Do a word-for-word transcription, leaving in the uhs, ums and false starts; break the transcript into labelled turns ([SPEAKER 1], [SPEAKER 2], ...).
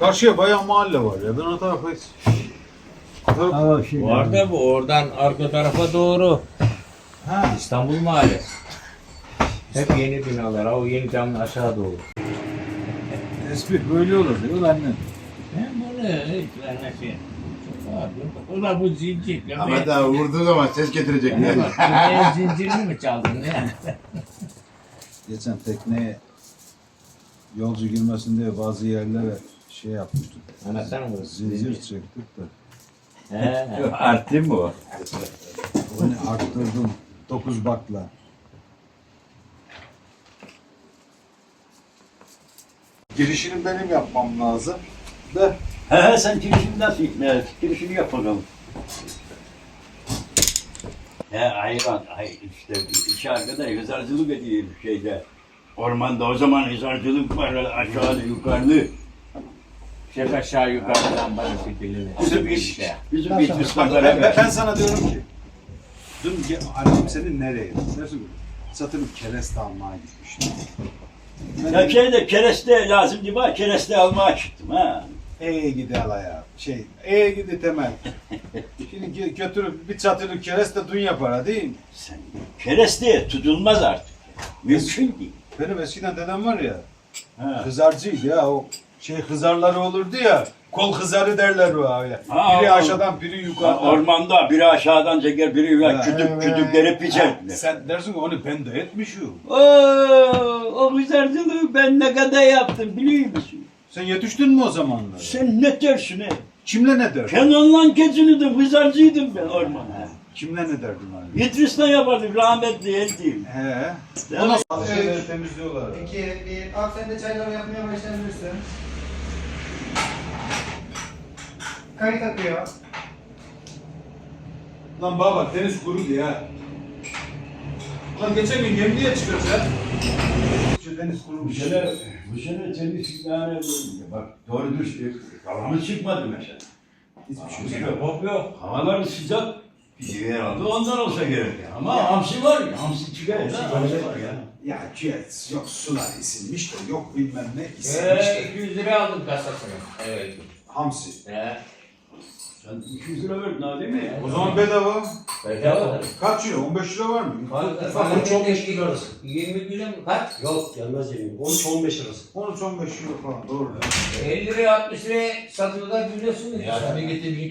[SPEAKER 1] Karşıya bayağı mahalle var ya. Ben o tarafa hiç... O taraf...
[SPEAKER 2] Ama şey
[SPEAKER 3] Var da bu oradan arka tarafa doğru.
[SPEAKER 1] Ha.
[SPEAKER 3] İstanbul Mahallesi. Hep yeni binalar. O yeni camın aşağı doğru.
[SPEAKER 1] Espri böyle olur diyor annem.
[SPEAKER 3] Ben bunu hiç vermesi. O da bu zincir.
[SPEAKER 4] Ahmet abi vurduğu zaman ses getirecek.
[SPEAKER 3] Ne bak, ben zincirini mi çaldın ne?
[SPEAKER 1] Geçen tekneye yolcu girmesin diye bazı yerlere şey yapmıştık.
[SPEAKER 3] Anahtar mı?
[SPEAKER 1] Zincir çektik de.
[SPEAKER 3] He.
[SPEAKER 4] Arttı mı o?
[SPEAKER 1] Onu arttırdım. Dokuz bakla. Girişini benim yapmam lazım. Da
[SPEAKER 2] He he sen girişini nasıl ikna girişini yap bakalım. He hayvan, hay işte iki arkadaş hızarcılık ediyor şeyde. Ormanda o zaman hızarcılık var aşağıda yukarıda.
[SPEAKER 3] Şef aşağı yukarıdan bana fitilini.
[SPEAKER 2] Bizim bir, bizim bir
[SPEAKER 1] ben,
[SPEAKER 2] ıslaklara
[SPEAKER 1] ben, ben sana diyorum ki dün ge- annem senin nereye? Dersin satırım kereste almaya gitmiştim.
[SPEAKER 2] Ya şeyde kereste lazım diye bak kereste almaya çıktım ha.
[SPEAKER 1] Eee gidi alaya. Şey, eee gidi temel. Şimdi gö- götürüp bir çatırı kereste dün yapar değil mi?
[SPEAKER 2] Sen kereste tutulmaz artık. Mümkün değil.
[SPEAKER 1] Benim eskiden dedem var ya,
[SPEAKER 2] Ha.
[SPEAKER 1] hızarcıydı ya o şey hızarları olurdu ya, kol hızarı derler o öyle.
[SPEAKER 2] Ha,
[SPEAKER 1] biri
[SPEAKER 2] o-
[SPEAKER 1] aşağıdan biri
[SPEAKER 2] Ha,
[SPEAKER 1] yukarıdan.
[SPEAKER 2] ormanda biri aşağıdan çeker, biri yukarı
[SPEAKER 1] Ha,
[SPEAKER 2] kütük
[SPEAKER 1] evet.
[SPEAKER 2] kütükleri piçer.
[SPEAKER 1] Ha, sen dersin ki onu ben de etmişim.
[SPEAKER 2] Oo, o hızarcılığı ben ne kadar yaptım biliyor musun?
[SPEAKER 1] Sen yetiştin mi o zamanlar?
[SPEAKER 2] Sen ne dersin he?
[SPEAKER 1] Kimle ne derdin?
[SPEAKER 2] Kenan'la geçinirdim, hızarcıydım ben ormanda.
[SPEAKER 1] Kimle ne derdin abi?
[SPEAKER 2] İdris'le yapardık, rahmetli eltiyim.
[SPEAKER 1] He.
[SPEAKER 2] Değil
[SPEAKER 1] O
[SPEAKER 2] mi?
[SPEAKER 1] nasıl şeyleri temizliyorlar?
[SPEAKER 5] İki, bir. Abi sen de çayları yapmaya başlayabilirsin. Kayıt akıyor.
[SPEAKER 1] Lan baba deniz kurudu ya. Lan geçen gün gemiye çıkıyoruz ya. Şu deniz
[SPEAKER 2] Bu
[SPEAKER 1] kurumuş.
[SPEAKER 2] sene, bu sene tenis yani bak doğru düz kalamız çıkmadı mesela.
[SPEAKER 1] Hiçbir şey
[SPEAKER 2] Yok, yok, yok. Havalar sıcak. Bir herhalde ondan olsa gerek ya. Ama hamsi var ya, hamsi çıkar ya. Hamsi var ya.
[SPEAKER 1] Ya ciğet, yok sular isilmiş de yok bilmem ne isilmiş
[SPEAKER 3] Ee,
[SPEAKER 1] de.
[SPEAKER 3] iki yüz lira aldım kasasını. Evet.
[SPEAKER 1] Hamsi.
[SPEAKER 3] He.
[SPEAKER 2] Sen iki yüz lira verdin ha değil mi?
[SPEAKER 1] O zaman bedava.
[SPEAKER 3] Bedava.
[SPEAKER 1] Kaç lira? on beş lira var mı?
[SPEAKER 3] Bana
[SPEAKER 6] on üç on beş lira arası.
[SPEAKER 3] yirmi kilo mu? Kaç?
[SPEAKER 6] Yok gelmez yemin. on üç on beş arası.
[SPEAKER 1] on üç on beş lira falan doğru.
[SPEAKER 3] elli liraya altmış liraya satılır biliyorsunuz.
[SPEAKER 6] Ya tabii getir